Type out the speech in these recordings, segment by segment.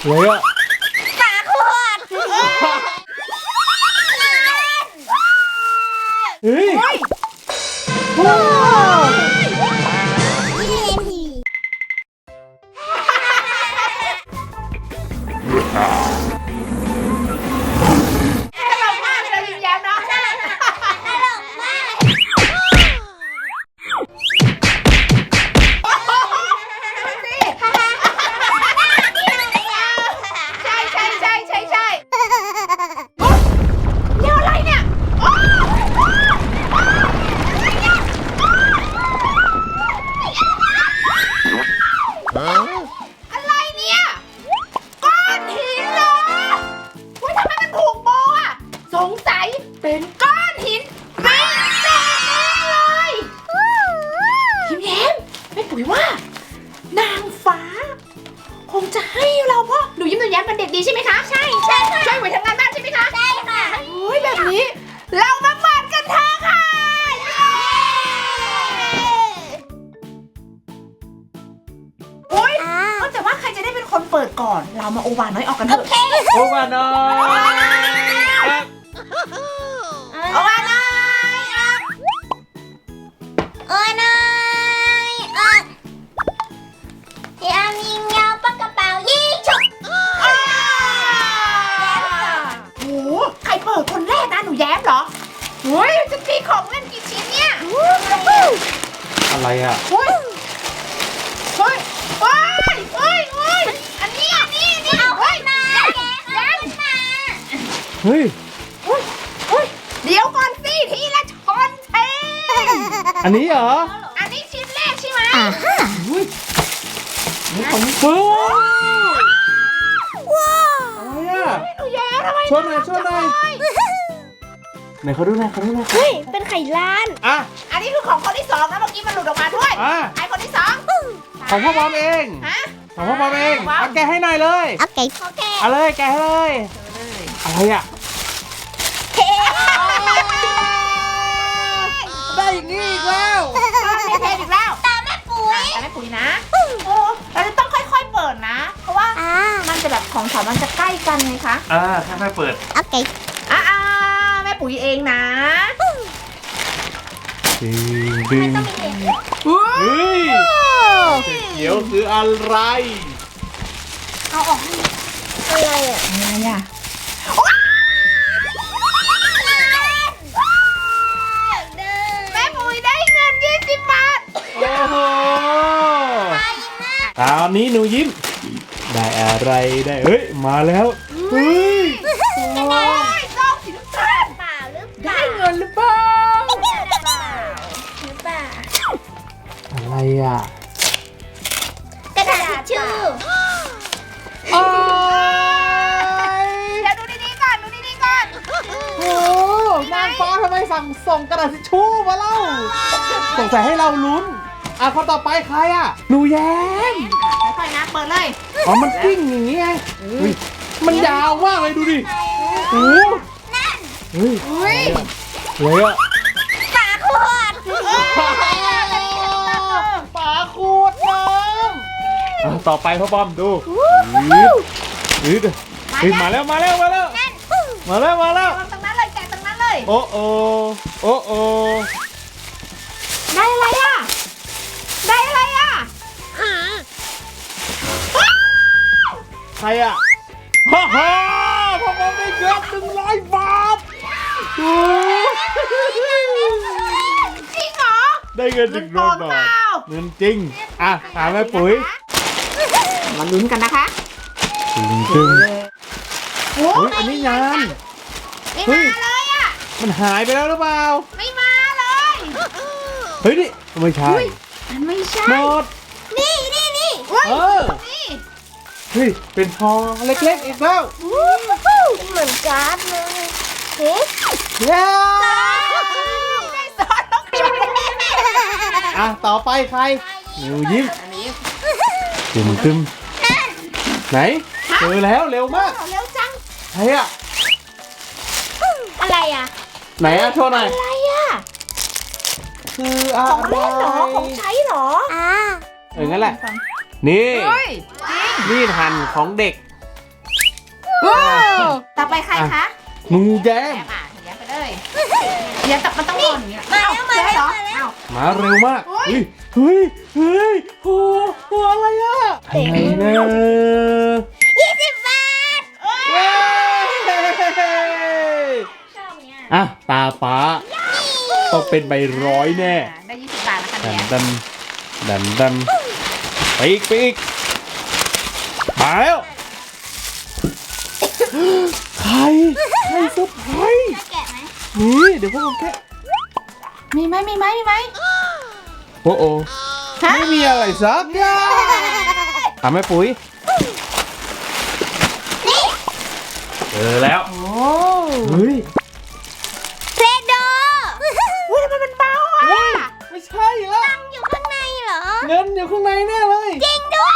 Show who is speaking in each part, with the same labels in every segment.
Speaker 1: เลยอ่ะ
Speaker 2: ฝาขวด
Speaker 1: เฮ้ย
Speaker 2: อะไรเนี่ยก้อนหินเหรอทำไมมันผูกโบอ่ะสงสัยเป็นก้อนหินไม่แน่เลยยิ้มแย้มแม่ปุ๋ยว่านางฟ้าคงจะให้เราเพราะหนูยิ้มหนูแย้มเป็นเด็กดีใช่ไหมคะใช่ค่ะช่วยหนูทำงานบ้านใช่ไหมคะใช่ค่ะโอ้ยแบบนี้เรามาเปิดกันเถอะค่ะแต่ว่าใครจะได้เป็นคนเปิดก่อน เรามาโอวาน้อยออกกันเถอะ
Speaker 1: โอ้มาน้อย
Speaker 2: โอวาน้อยโอวาน้อยพี่อามีเงาปากกระเป๋ายิงฉุกโอ้โหใครเปิดคนแรกนะหนูแย้มเหรอเฮ้ยจะมีของเล่นกี่ชิ้นเนี่ย
Speaker 1: อะไรอ่ะ
Speaker 2: เฮ้ยอันนี้เอาขึ้นมา
Speaker 1: เฮ้ย
Speaker 2: เดี๋ยวก่อนสิทีละชนเท
Speaker 1: อันนี้เหรอ
Speaker 2: อันนี้ชิ้นแรกใช่ไหม
Speaker 1: นี่ของฟูว้าวอะไรอ่ะ
Speaker 2: หนูแย้ทำไม
Speaker 1: ช่วยหน่อยไหนเขาดูหน่อย
Speaker 2: เฮ้ยเป็นไข่ล้าน
Speaker 1: อ่ะ
Speaker 2: อันนี้คือของคนที่สองนะเมื่อกี้มันหลุดออกมาด้วยไอ้คนที่สอง
Speaker 1: ของพ่อบอมเองของพ่อบอมเองเอาแกะให้หน่อยเลย
Speaker 2: โอเค
Speaker 1: เอาเลยแกะให้เลยอะไรอ่ะได้อย่างนี้อีกแล้ว
Speaker 2: เทอีกแล้วตาแม่ปุ๋ยนะโอ้เราจะต้องค่อยๆเปิดนะเพราะว่ามันจะแบบของมันจะใกล้กันไงคะ
Speaker 1: ค่อยๆเปิด
Speaker 2: โอเคแม่ปุ๋ยเองนะ
Speaker 1: ดึงเฮ้ยเดี๋ยวคืออะไร
Speaker 2: เอาออกอะไรอ่ะแม่ปุ๋ยได้เงิน20 บาท
Speaker 1: โอ้โหตอนนี้หนูยิ้มได้อะไรได้เฮ้ยมาแล้วเฮ้ย
Speaker 2: ต้องสิลูกค้าเปล่าหรือ
Speaker 1: ได้เงินหรือเปล่าอะไรอ่ะ
Speaker 2: กระดาษทิชชู่เดี๋ยวดูดีๆก่อน
Speaker 1: โอ้นางฟ้าทำไมส่งกระดาษทิชชู่มาเล่าสงสัยให้เราลุ้นคนต่อไปใครอ่ะหนูแย้ม
Speaker 2: ค่อยๆนะเปิดเลย
Speaker 1: มันกิ้งอย่างงี้ไงมันยาวมากเลยดูดิโอ้เฮ้ยเลยอ่ะ
Speaker 2: ฝาขวด
Speaker 1: น้ำต่อไปพ่อบอมดูมาแล้วตรงนั้นเลย
Speaker 2: แกะตรงนั้นเลย
Speaker 1: โอ้
Speaker 2: ได้อะไรอ่ะ
Speaker 1: ใครอ่ะพ่อบอมได้เงิน100 บาท
Speaker 2: จริงเหรอ
Speaker 1: ได้เงิน100 บาทเงินจริงถามแม่ปุ๋ย
Speaker 2: มาลุ้นกันนะคะ
Speaker 1: จึงอันนี้งาน
Speaker 2: ไม่มาเลยอ่ะ
Speaker 1: มันหายไปแล้วหรือเปล่า
Speaker 2: ไม่มาเลย
Speaker 1: เฮ้ยนี่ไม่ใช่
Speaker 2: ไม่ใช่
Speaker 1: หมด
Speaker 2: นี่
Speaker 1: เฮ้ยเป็นทองเล็กๆอีกแล้ว
Speaker 2: เหมือนการ์ดเลย
Speaker 1: ต่อไปใครหนูยิ้มตึมไหนเจอแล้วเร็วมาก
Speaker 2: เร็วจัง
Speaker 1: ใครอ่ะ
Speaker 2: อะไรอ่ะ
Speaker 1: ไหนโชว์หน่อย
Speaker 2: อะไรอ่ะ
Speaker 1: คือ
Speaker 2: ของเล่นเหรอของใช้เหรอ
Speaker 1: งั้นแหละนี่มีดหั่นของเด็ก
Speaker 2: ต่อไปใครคะ
Speaker 1: หนูแย้
Speaker 2: แอ
Speaker 1: ม
Speaker 2: มหนูแย้มไปเลยเดี๋ยวแต่มันต้องหล่นอย่างเงี้ย
Speaker 3: มาแล้วมาแล้ว
Speaker 2: เหรอ
Speaker 3: มาแล้ว
Speaker 2: เอ้า
Speaker 1: มาเร็วมากเฮ้ยเฮ้ยเฮ้ยโหอะไรอะอะไรนะ
Speaker 3: 20 บาท
Speaker 1: เย้
Speaker 3: ชอบเนี่ย
Speaker 1: อ่ะตาป้าต้องเป็นใบร้อยแน่
Speaker 2: ได้20 บาทนะคะ
Speaker 1: ดัน
Speaker 2: เนี่ย
Speaker 1: ดันไปอีกมาแล้วใครเซอร์ไพรส์
Speaker 3: จะแกะไหม
Speaker 1: นี่เดี๋ยวพวกผมแค่
Speaker 2: มีไหมมีไหมมีไหม
Speaker 1: โอ้โห
Speaker 2: ฮะ
Speaker 1: ไม่มีอะไรสักอย่างทำให้ปุ๋ยเจอแล้ว
Speaker 2: โอ้
Speaker 1: เฮ้ย
Speaker 3: เพลโด
Speaker 2: อุ้ยทำไมมันเบาอ่ะ
Speaker 1: เฮ้ยไม่ใช่ละ
Speaker 3: ตังอยู่ข้างในเหรอ
Speaker 1: เงินอยู่ข้างในแน่เลย
Speaker 3: จริงด้วย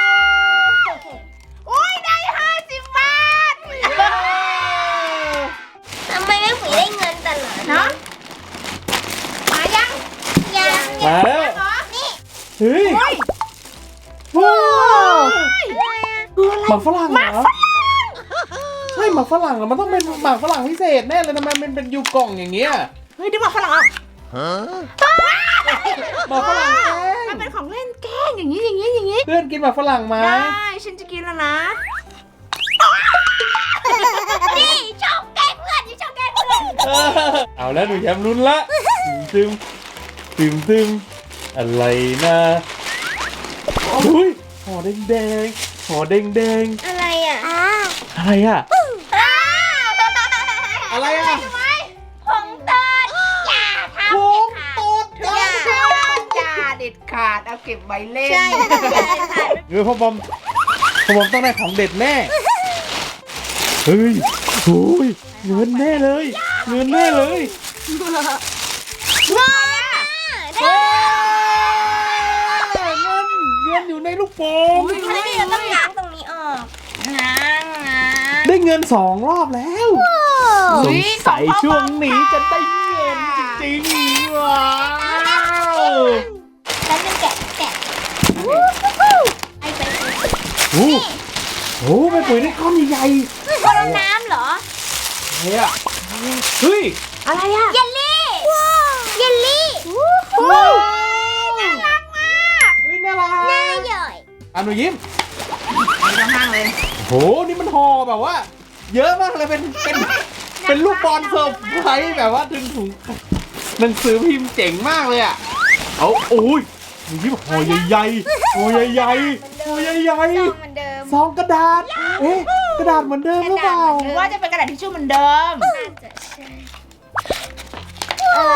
Speaker 2: อุ้ยได้50 บาท
Speaker 3: ทำไมแม่ปุ๋ยได้เงินตลอด
Speaker 2: เนาะมายัง
Speaker 3: ยัง
Speaker 1: มาแล้ว
Speaker 2: เหรอ
Speaker 3: นี่
Speaker 1: เฮ้ย
Speaker 2: อุ้ย
Speaker 1: ว้าว
Speaker 3: อะไรอะ
Speaker 1: หมากฝรั่งเหรอใช่หมากฝรั่งเหรอมันต้องเป็นหมากฝรั่งพิเศษแน่เลยทำไมมันเป็นยูกล่องอย่างเงี้ย
Speaker 2: เฮ้ยดึงมาฝรั่งออก
Speaker 1: หมากฝรั่งแกล้
Speaker 2: มัน
Speaker 1: ง
Speaker 2: เป็นของเล่นแกล้งอย่างนี้อย่างนี้อย่างนี้
Speaker 1: เพื่อนกินหมากฝรั่งไหม
Speaker 2: ได้ฉันจะกินแล้วนะ
Speaker 3: นี่ชอบแกล้งเพื่อนนี่ชอบแกล้งเพื่อน
Speaker 1: เอาแล้วหนูแชมป์ลุ้นละตึมตึมอะไรนะอุ้ยห่อแดงห่อแดง
Speaker 3: อะไรอ่ะ
Speaker 1: อะไรอะอะไรอะ
Speaker 3: ผงตอดอย่าทำ
Speaker 1: โอ้
Speaker 3: เด็ดขาด
Speaker 1: ตด
Speaker 2: อย่าเด็ดขาดเอาเก็บไว้เล่น
Speaker 3: ใช่อย่าเด็ดขาด
Speaker 1: เงินพ่อบอมต้องได้ของเด็ดแน่เฮ้ยโอ้ยเงินแน่เลยเงินแน่เลย
Speaker 3: ได้
Speaker 1: เฮ้ยเงินอยู่ในลูกโป่ง
Speaker 3: แล้วนี่เราต้องล้างตรงนี้ออกล้าง
Speaker 1: ได้เงิน2 รอบแล้ว สงสัยช่วงนี้จะได้เงินจริงๆว้าว
Speaker 3: แล้วจะแกะไอ้ไป
Speaker 1: โอ้โหไปปุ๋ยได้ก้อนใหญ่ๆ
Speaker 3: ก้อนน้ำเหรอ
Speaker 1: เฮ้ยอะเฮ้ย
Speaker 2: อะไรอ่ะ
Speaker 3: เยลลี่เยลลี่
Speaker 1: ว้าวน่ารักมากเฮ้ยน่ารั
Speaker 3: หน้าก ใหญ่
Speaker 1: อ่ะหนูยิ้ม
Speaker 2: ไปห้างเลย
Speaker 1: โหนี่มันห่อแบบว่า เยอะมากเลยเป็นลูกบอลเซอร์ไพรส์แบบว่าถึงถุงหนังสือพิมพ์เจ๋งมากเลยอ่ะเอาโอ้ยหนูยิ้มห่อใหญ่ๆห่อใหญ่ๆห่อใหญ่
Speaker 3: ซองเหมือนเดิม
Speaker 1: ๆซองกระดาษเอ๊ะกระดาษเหมือนเดิมหรือเปล่า
Speaker 2: หรือว่าจะเป็นกระดาษทิชชู่เหมือนเดิม
Speaker 3: น่าจะใช่โอ้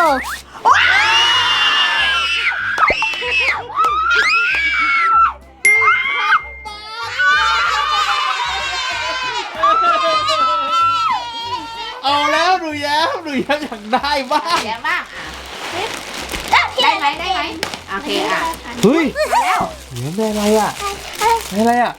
Speaker 1: เอาแล้วหนูแย้มอยากได้บ้าง
Speaker 2: เดี๋ยวบ้าง
Speaker 3: ได้
Speaker 2: อ่ะได้ไหมได้ไหมโอเคอ่ะ
Speaker 1: เฮ้ย
Speaker 2: มาแล้ว
Speaker 1: เหลือได้อะไรอ่ะได้อะไรอ่ะ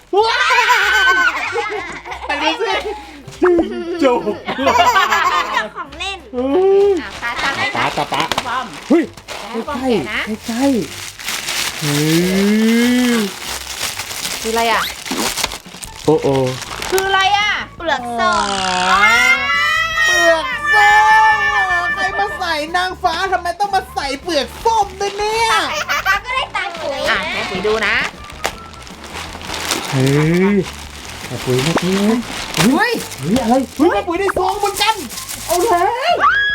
Speaker 1: ไปดูสิจบ
Speaker 3: ของเล่น
Speaker 1: เฮ้ย
Speaker 2: อ่ะตาตาให้
Speaker 1: ปะตาปะ
Speaker 2: บอม
Speaker 1: เฮ้ย
Speaker 2: แล้วบอม
Speaker 1: ใกล้
Speaker 2: แกะนะ
Speaker 1: ใกล้เฮ้ย
Speaker 2: คืออะไรอ่ะ
Speaker 1: โอ้โอ้
Speaker 2: คืออะไรอ่ะ
Speaker 3: เปลือกส้ม
Speaker 1: เปลือกส้มใครมาใส่นางฟ้าทำไมต้องมาใส่เปลือกส้มด้วยเนี่ย
Speaker 3: ป้าก็ได้ตังค์ปุ๋ย
Speaker 2: อ่ะ
Speaker 3: นะ
Speaker 2: แม่ปุ๋ยดูนะ
Speaker 1: เฮ้ยแม่ปุ๋ยแม่ปุ๋ยเฮ้ยอะไรเฮ้ยแม่ปุ๋ยได้ซองเหมือนกันเอาแล้ว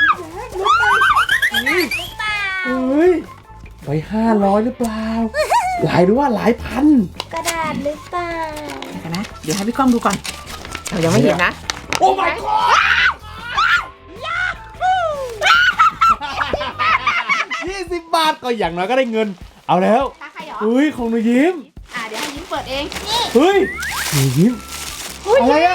Speaker 1: เฮ้ย
Speaker 3: หรือเปล่า
Speaker 1: เฮ้ยไป500หรือเปล่าหลายหรือว่าหลายพัน
Speaker 3: กระดาษหรือเปล่า
Speaker 2: เดี๋ยวนะ เดี๋ยวให้พี่ก้องดูก่อน เรายังไม่เห็นนะ
Speaker 1: โอ้ my god 20 บาทก็อย่างน้อยก็ได้เงิน เอาแล้ว
Speaker 2: ตาใครหรอ
Speaker 1: เฮ้ยของหนูยิ้ม
Speaker 2: อ่ะเดี๋ยวให้ยิ้มเปิดเอง
Speaker 1: เฮ้ยหนูยิ้มอะไรอะ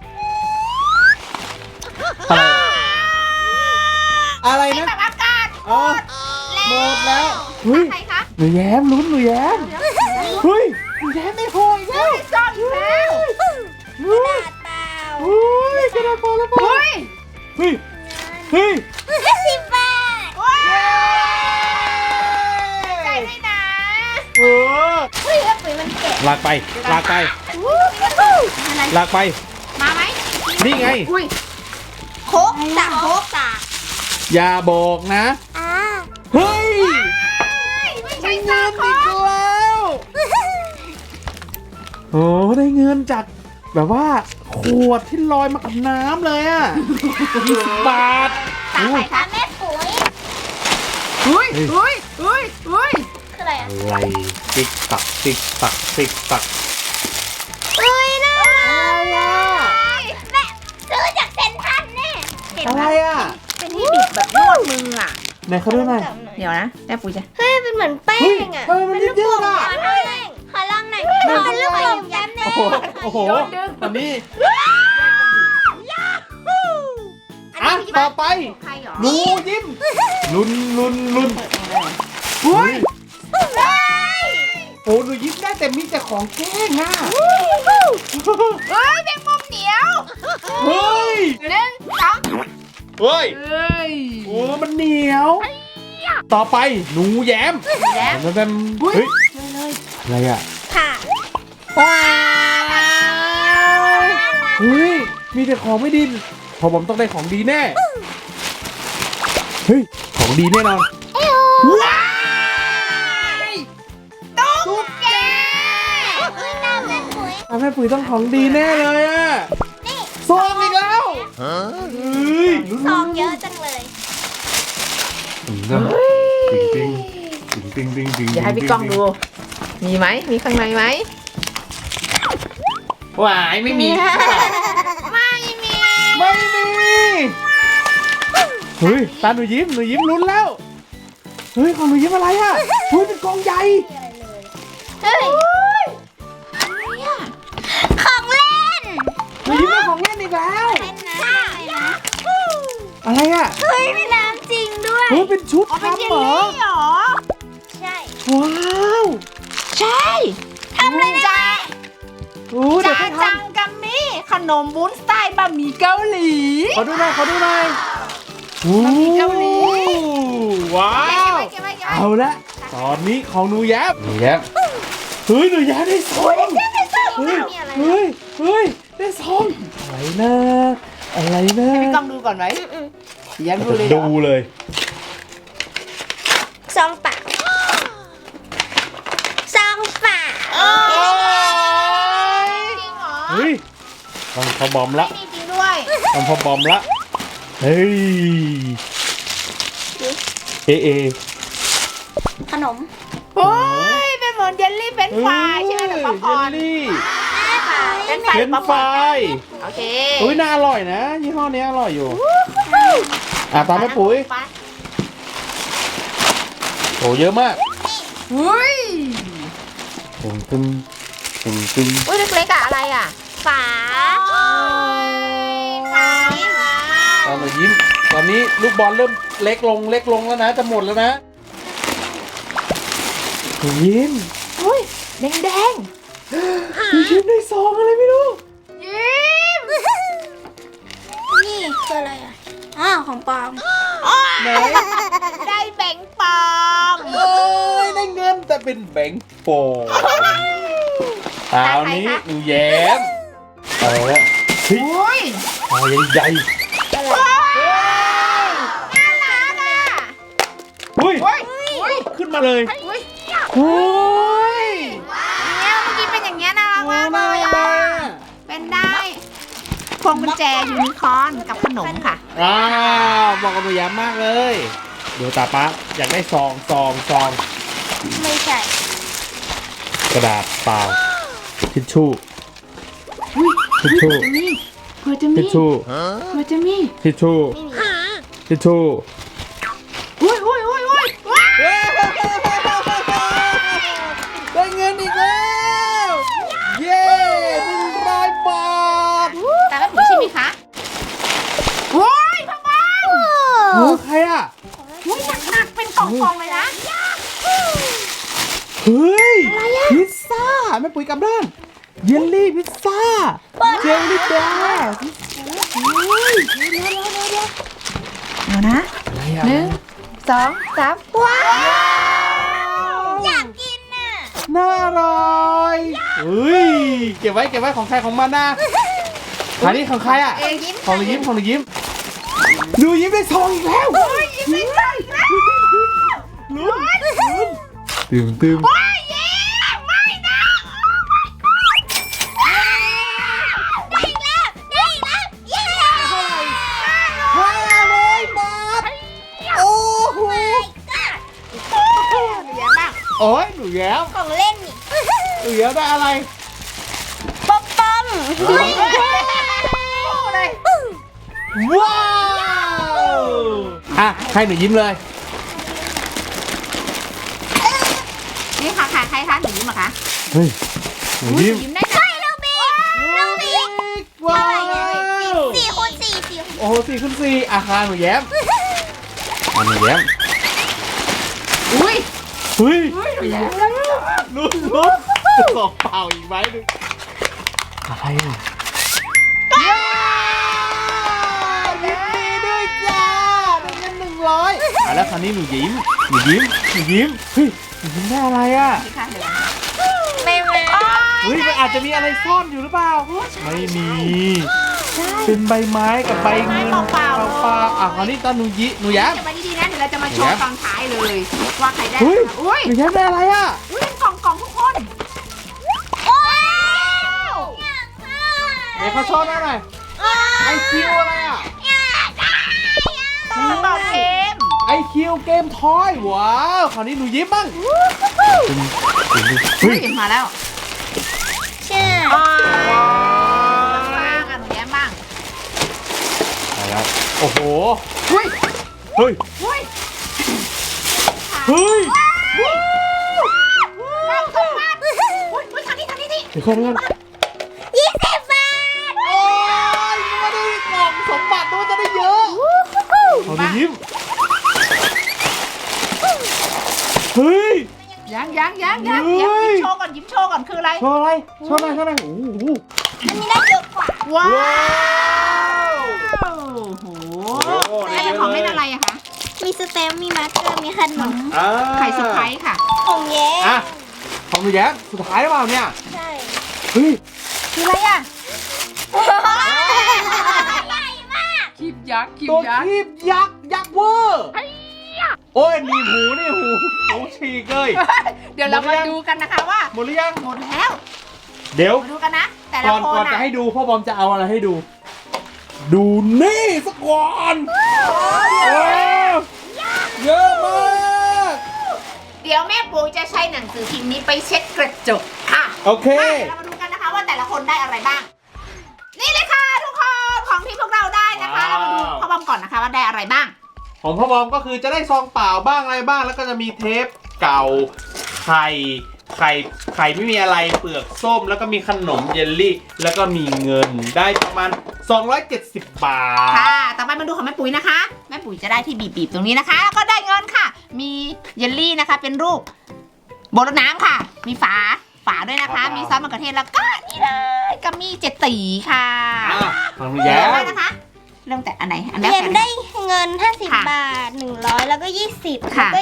Speaker 1: อะไร
Speaker 2: เป็น
Speaker 1: นะ
Speaker 2: แบบอากาศ
Speaker 1: อ๋อหมดแล้วเฮ้ย
Speaker 2: ใครคะ
Speaker 1: หนูแย้มลุ้นหนูแย้มเฮ้ยหนูแย้มไม่พออีกแล้ว
Speaker 2: ซ่อนอยู่แล้ว
Speaker 1: เฮ้ย
Speaker 3: เปล่า
Speaker 1: เฮ้ยกระดาษพอแล้วพอ
Speaker 2: เฮ้ย
Speaker 1: เฮ้ยเฮ้ย
Speaker 3: 10 บาท
Speaker 2: ว้าวใจด้วยนะ
Speaker 1: เออ
Speaker 3: เฮ้ยแล้วปุ๋ยมันแกะ
Speaker 1: ลากไป
Speaker 3: อะไร
Speaker 1: ลากไปนี่ไง
Speaker 2: อุ้ยโคกสากโคกสาก
Speaker 1: อย่าบอกนะ
Speaker 3: อ่า
Speaker 1: เฮ้ย
Speaker 2: ไม่ใช่
Speaker 1: ได้
Speaker 2: สา
Speaker 1: เงิ
Speaker 2: ก
Speaker 1: น
Speaker 2: โค
Speaker 1: อีก
Speaker 2: ก
Speaker 1: แล้วโอ้ได้เงินจากแบบว่าขวดที่ลอยมากับน้ำเลยอ่ะ20 บาท
Speaker 2: ตาใครคะ
Speaker 3: แม่ปุ๋ย
Speaker 2: อุ้ยอุ้ยอุ้ยอุ้ย
Speaker 3: คืออะไรอ่ะ
Speaker 1: อะไรติ๊กตักติ๊กตักติ๊กตัก
Speaker 3: อุ้ยน่าแม่ซื้อจากเซ็นทรัลแน่เห็น
Speaker 1: อะไร
Speaker 3: ไหม
Speaker 1: อ่ะ
Speaker 2: เป็นที่บิดแบบนวดมืออ่ะ
Speaker 1: ไหนเขาดูหน่อย
Speaker 2: เดี๋ยวนะแม่ปุ๋ยจะ
Speaker 3: เฮ้ยเป็นเหมือนแป้
Speaker 1: เฮ้ย
Speaker 3: งอ่ะ
Speaker 1: เฮ้ยมันยืดๆอ่ะ
Speaker 3: ขอลองหน่อยขอเป็นลูกโป่งแก้มแน่
Speaker 1: โอ้โหโอ้โหตอนนี้อ่ะต่อไป
Speaker 2: ใครหรอ
Speaker 1: หนูยิ้มลุ้นลุ้น
Speaker 2: อุ้ย
Speaker 1: โอ้หนูยิ้มได้แต่มีแต่ของแกล้งอ่ะ
Speaker 2: เฮ้ยเป็นมุมเหนียว
Speaker 1: เฮ้ย
Speaker 2: หนึ่งสอง
Speaker 1: เฮ้ย
Speaker 2: เฮ้ย
Speaker 1: โอ้มันเหนียว ต่อไปหนูแย้ม
Speaker 2: แล้ว
Speaker 1: มันเป็นเฮ้ยอะไรอ่ะ
Speaker 3: ค่ะ
Speaker 2: ว้าว
Speaker 1: เฮ้ยมีแต่ของไม่ดีพอผมต้องได้ของดีแน่เฮ้ยของดีแน่นอน
Speaker 2: ว้าวตุ๊กแก
Speaker 3: อุ้ยน้ำแม่ปุ๋ย
Speaker 1: แม่ปุ๋ยต้องของดีแน่เลยอ่ะ
Speaker 3: นี่
Speaker 1: ซองอีกแล้วเฮ้ย
Speaker 3: ซองเยอะจังเลย
Speaker 1: ปิงปิงปิงปิงปิง
Speaker 2: อย่าให้พี่ก้องดู มีไหม มีข้างในไหม
Speaker 1: หวายไม่มี
Speaker 2: ไม่มี
Speaker 1: ไม่มีเฮ้ยตาหนูยิ้มลุ้นแล้วเฮ้ยของหนูยิ้มอะไรอ่ะเฮ้ยเป็นกองใหญ่
Speaker 3: เฮ้ยของเล่น
Speaker 1: หนูยิ้มได้ของเล่นอีกแล้ว
Speaker 3: เป็นน้ำนะ
Speaker 1: อะไรอ่ะ
Speaker 3: เฮ้ยเป็นน้ำจริงด้วย
Speaker 1: เฮ้ยเป็นชุด
Speaker 2: อ๋อเป็นเจ
Speaker 1: ทำ
Speaker 2: ล
Speaker 1: เหรอ
Speaker 2: ลี่เหรอ
Speaker 3: ใช่
Speaker 1: ว้าว
Speaker 2: ใช่
Speaker 3: ทำเลยนะ
Speaker 1: โอ้เดี๋ยว
Speaker 2: จา
Speaker 1: ให้ท
Speaker 2: จังกัมมี่ขนมวุ้นสไตล์บะหมี่เกาหลี
Speaker 1: ำขอดูหน่อยโอ้
Speaker 2: บะหมี่เกาหลี
Speaker 1: ว้าว
Speaker 2: เก็บไว้
Speaker 1: เอาละตอนนี้ของหนูแย้มเฮ้ยหนูแย้มได้ซองเฮ้ยเฮ้ยเฮ้ยได้ซองอะไรนะอะไรนะ
Speaker 2: ให้พี่ก้องดูก่อนไหมยังดูเลยเหรอ
Speaker 1: ดูเลย
Speaker 3: ซองเปล่าซองเปล่า
Speaker 2: จริงเหรอ
Speaker 1: เฮ้ยต้องพอบอมละ
Speaker 2: มีจริงด้วย
Speaker 1: ต้องพอบอมละเฮ้ยเอ
Speaker 3: ขนม
Speaker 2: โอ้ยเป็นเหมือนเยลลี่เป็นไฟรายใช่ไหมหรือป๊อปคอร์น
Speaker 1: เยลลี่
Speaker 2: เป็นไฟราย
Speaker 1: เฟรนช์ฟราย
Speaker 2: โอเค
Speaker 1: อุ้ยน่าอร่อยนะยี่ห้อนี้อร่อยอยู่ตามแม่ปุ๋ยโหเยอะมาก
Speaker 2: อุ้ย
Speaker 1: ตึงตึง
Speaker 2: อุ้ยเล็กๆอะอะไรอะ
Speaker 3: ฝา
Speaker 1: ตอนหนูยิ้มตอนนี้ลูกบอลเริ่มเล็กลงแล้วนะจะหมดแล้วนะหนูยิ้ม
Speaker 2: อุ้ยแดง
Speaker 1: หนูยิ้มได้ซองอะไรไม่รู้
Speaker 2: ๆยิ้ม
Speaker 3: นี่คืออะไรอ่ะอ้าวของปลอม
Speaker 1: ไหน
Speaker 2: ได้แบงค์ปลอม
Speaker 1: เอ้ยได้เงินแต่เป็นแบงค์โฟมคราวนี้หนูแย้มเอาละเฮ้ย
Speaker 2: อุ้ย
Speaker 1: พอใหญ่
Speaker 2: น่ารักอะ
Speaker 1: เฮ้ย
Speaker 2: อุ้ยอุ้ย
Speaker 1: ขึ้นมาเลย
Speaker 2: อุ้ย
Speaker 1: เฮ้ย
Speaker 2: เนี่ยเมื่อกี้เป็นอย่างเงี้ยน่ารักมากเลย
Speaker 1: น่า
Speaker 2: อะ
Speaker 1: รักอะ
Speaker 2: เป็นได้พวงกุญแจยูนิคอร์นกับขนมค่ะ
Speaker 1: บอกกับหนูแย้มมากเลยเดี๋ยวตาป๊าอยากได้ซอง
Speaker 3: ไม่ใช่
Speaker 1: กระดาษเปล่าทิชชู่ทิชชู่
Speaker 2: เผื่อจะ
Speaker 1: ทิ
Speaker 2: มี
Speaker 1: ชชู่
Speaker 2: เผื่อจะมี
Speaker 1: ทิชชู่
Speaker 3: ไม่มี
Speaker 1: ทิชชู่
Speaker 2: อุ้ยว้าว
Speaker 1: ได้เงินอีกแล้วเย้100 บาท
Speaker 2: แต่ละผีใช่ไหมคะโอ้ยพ่อบ้าน
Speaker 1: โอ้ใครอ่ะ
Speaker 2: อุ้ยหนักๆเป็นกล่องๆเลยนะ
Speaker 1: เฮ้ยพิซซ่าแม่ปุ๋ยกลับด้านเยลลี่พิซซ่าเจลลี่แบร์
Speaker 2: เดี๋ยวนะ
Speaker 1: อะไรอ่ะ
Speaker 2: 1 2 3ว้าว
Speaker 3: อยากกินน่ะ
Speaker 1: น่าอร่อยเฮ้ยเก็บไว้ของใครของมันนะอันนี้ของใครอ่ะ
Speaker 2: ยิ้ม
Speaker 1: ของหนูยิ้มของหนูยิ้มหนูยิ้มได้ซองอีกแล้ว
Speaker 2: ยิ้มไม่ได้อีกแล้ว
Speaker 1: ลุ้นตื่ม
Speaker 2: โอ้ยยิ้มไม่นะ
Speaker 3: ได้อีกแล้วได้อีกแล้วเย้
Speaker 1: 500 บาทโอ้โห
Speaker 2: หนูแย้มบ้าง
Speaker 1: โอ้ยหนูแย้ม
Speaker 3: ของเล่นนี่
Speaker 1: หนูแย้มได้อะไร
Speaker 3: ป๊อปป้อม
Speaker 2: เลย
Speaker 1: ว้าวอ่ะให้หนูยิ้มเลย
Speaker 2: นี่ค่ะใครคะหนูยิ้มเหรอคะ
Speaker 1: เฮ้ยหนู
Speaker 2: หนู
Speaker 1: ยิ้ม
Speaker 2: ยิ้มได้นะ
Speaker 3: ลูบิกลูบิก
Speaker 1: ว้าว
Speaker 3: 4 คูณ 4 4 คูณ
Speaker 1: โอ้โห4 ขึ้น 4อาคารหนูแย้มอ่ะหนูแย้ม
Speaker 2: อุ้ย
Speaker 1: เฮ้ย
Speaker 2: หนูแย้ม
Speaker 1: ลุ้นสองเปล่าอีกไหมหนึ่งอะไรอ่ะยินดีด้วยจ้าได้เงิน100แล้วคราวนี้หนูยิ้มเฮ้ยหนูยิ้มได้อะไรอ่ะ
Speaker 2: นี่ค่ะเดี๋ยว
Speaker 3: ไม่มา
Speaker 1: เฮ้ยมันอาจจะมีอะไรซ่อนอยู่หรือเปล่าไม่มีเป็นใบไม้กับใบเงินเปล่าอ่ะคราวนี้ตอนหนูแย้ม
Speaker 2: จะไปดีๆนะเดี๋ยวเราจะมาโชว์ตอนท้ายเลยว่าใครได้
Speaker 1: เฮ้ย
Speaker 2: อุ้ย
Speaker 1: หนูแย้มได้อะไรอ่ะ
Speaker 2: อุ้ยเป็นกล่องทุกคน
Speaker 3: โอ้ย
Speaker 1: ไหนเขาโชว์หน่อยไอคิวอะไรอ่ะ
Speaker 2: ตอบเกม
Speaker 1: ไอคิวเกมทอยว้าวคราวนี้หนูยิ้มบ้างเฮ้
Speaker 2: เฮ้
Speaker 1: ย
Speaker 2: ยมาแล้ว
Speaker 3: เชื่อ
Speaker 2: บ้างอ่ะหนูแย้มบ้าง
Speaker 1: อะไรโอ้โห
Speaker 2: เฮ้ย
Speaker 1: เฮ้ย
Speaker 2: เฮ้ย
Speaker 1: เฮ้ย
Speaker 2: กล่องสมบัติอุ้ยทางนี้นี่
Speaker 1: เดี๋ยวก่อน
Speaker 3: 20 บาท
Speaker 1: โอ้ยไม่ได้กล่องสมบัติด้วยจะได้เยอะเอาหนูยิ้มเฮ้ย
Speaker 2: ยังยิ้มโชว์ก่อนคืออะไร
Speaker 1: โชว์อะไรโชว์หน่อยโอ้โห
Speaker 3: อันนี้ได้เยอะกว่า
Speaker 2: ว้า
Speaker 1: ว้าว
Speaker 2: โอ้โหนี่เป็นของเล่นอะไรอะคะ
Speaker 3: มีสเต็มมีมาร์กเกอร์ มีขนม
Speaker 2: ไข่เซอร์ไพรส์ค่ะ
Speaker 3: ของแย้
Speaker 1: อ่ะของหนูแย้มสุดท้ายหรือเปล่าเนี่ย
Speaker 3: ใช่
Speaker 1: เฮ้ย
Speaker 2: คืออะไรอะ
Speaker 3: ใหญ่มาก
Speaker 2: คีบยักษ์
Speaker 1: ตัวคีบยักษ์เวอร์โอ้ยหนีบหูนี่หูฉีกเลย
Speaker 2: เดี๋ยวเรามาดูกันนะคะว่า
Speaker 1: หมดหรือยัง
Speaker 2: หมดแล้ว
Speaker 1: เดี๋ยว
Speaker 2: มาดูกันนะ แต่ละ
Speaker 1: ก่อน
Speaker 2: คน
Speaker 1: จะ
Speaker 2: อะ
Speaker 1: ให้ดูพ่อบอมจะเอาอะไรให้ดู ดูนี่สักก่อนโอ้เยอะมาก
Speaker 2: เดี๋ยวแม่ปุ๋ยจะใช้หนังสือพิมพ์นี้ไปเช็ดกระจกค่ะ
Speaker 1: โอเค
Speaker 2: เรามาดูกันนะคะว่าแต่ละคนได้อะไรบ้าง นี่เลยค่ะทุกคนของที่พวกเราได้นะคะ เรามาดูพ่อบอมก่อนนะคะว่าได้อะไรบ้าง
Speaker 1: ของพ่อบอมก็คือจะได้ซองเปล่าบ้างอะไรบ้างแล้วก็จะมีเทปเก่าไข่ไม่มีอะไรเปลือกส้มแล้วก็มีขนมเยลลี่ แล้วก็มีเงินได้ประมาณ270 บาท
Speaker 2: ค่ะ ต่อไปมาดูของแม่ปุ๋ยนะคะ แม่ปุ๋ยจะได้ที่บีบๆตรงนี้นะคะ แล้วก็ได้เงินค่ะ มีเยลลี่นะคะ เป็นรูปโบรดน้ำค่ะ มีฝาด้วยนะคะ มีซอสมะเขือเทศแล้วก็นี่เลยกัมมี่เจ็ดตีค่ะ
Speaker 1: ของหนูแย้ม
Speaker 2: ได้นะคะ เริ่มแต่อันไหน อันแรก
Speaker 3: เรียน
Speaker 2: กัน
Speaker 3: ได้เงิน
Speaker 2: ค่ะ
Speaker 3: 50 บาท 100 แล้วก็ 20 แล้ว
Speaker 2: ค่ะ
Speaker 3: ก็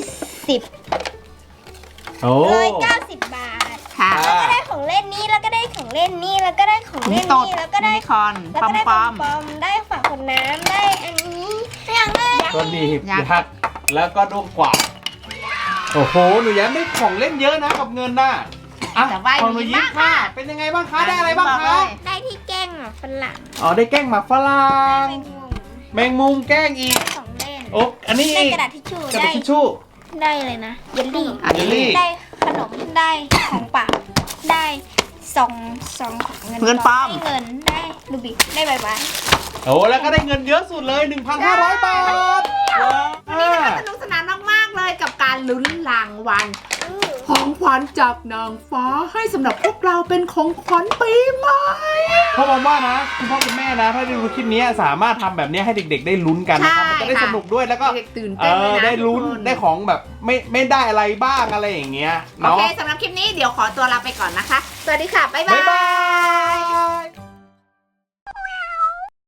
Speaker 3: 20
Speaker 1: โอ้
Speaker 3: 190 บาท
Speaker 2: ค่ะ
Speaker 1: อ่า
Speaker 3: แล้วก็ได้ของเล่นนี้ แล้วก็ได้ของเล่นนี่ แล้วก็ได้ของเล่นนี่ แล้วก็ได้
Speaker 2: ยูนิคอร์น
Speaker 3: แล้ว
Speaker 2: ปอ
Speaker 3: ก็
Speaker 2: ม
Speaker 3: ได้
Speaker 2: ป
Speaker 3: ป
Speaker 2: อ
Speaker 3: อ
Speaker 2: ม
Speaker 3: มได้ฝาขวดน้ำได้อันนี้อย่างเลย
Speaker 1: ก็ดีบ
Speaker 2: ยักษ์
Speaker 1: ยักษ์แล้วก็ด้วงกว่าดโอ้โหหนูแย้มได้ของเล่นเยอะนะกับเงินน่ะอ่ะ
Speaker 2: แต่ว่า
Speaker 1: ของหนูยิ้ม
Speaker 2: ดีมากค่ะ
Speaker 1: ค่ะเป็นยังไงบ้างคะได้อะไรบ้างคะ
Speaker 3: ได้ที่แกล้งฝรั่ง
Speaker 1: อ๋อได้แกล้งหมากฝรั่ง
Speaker 3: ได้แมงมุม
Speaker 1: แมงมุมแกล้งอีก
Speaker 3: ของเล่น
Speaker 1: โอ้อันนี้
Speaker 3: ได้
Speaker 1: อีก
Speaker 3: กระดาษทิชชู่
Speaker 1: กระ
Speaker 3: ได้
Speaker 1: ดาษทิชชู่
Speaker 3: ได้เลยนะ เยลลี่
Speaker 2: อัน
Speaker 1: เยล
Speaker 2: นี้
Speaker 1: ลี่
Speaker 3: ได้ขนม ได้ของเปล่าได้ซองของเงิน
Speaker 2: เงินปลอม
Speaker 3: ได้เงิน ได้ลูบิก ได้ใบไม้
Speaker 1: โอ้แล้วก็ได้เงินเยอะสุดเลย 1,500 บาทว้าว
Speaker 2: วันนี้นะคะสนุกสนานมากๆเลยกับการลุ้นรางวัลของขวัญจากนางฟ้าให้สำหรับพวกเราเป็นของขวัญปีใหม่
Speaker 1: พ่อบอกว่านะคุณพ่อคุณแม่นะ ถ้าได้ดูคลิปนี้สามารถทำแบบนี้ให้เด็กๆ ได้ลุ้นกันนะครับมันจะได้สนุกด้วยแล้วก็
Speaker 2: เด็กตื่นเต้นเลยนะ
Speaker 1: ได้ลุ้น
Speaker 2: ทุกค
Speaker 1: ได้ของแบบไม่ได้อะไรบ้างอะไรอย่างเงี้ย
Speaker 2: โอ
Speaker 1: เนาะ
Speaker 2: เคสำหรับคลิปนี้เดี๋ยวขอตัวลาไปก่อนนะคะ สวัสดีค่ะ บ๊ายบา
Speaker 1: บ๊าย
Speaker 2: ย
Speaker 1: บาย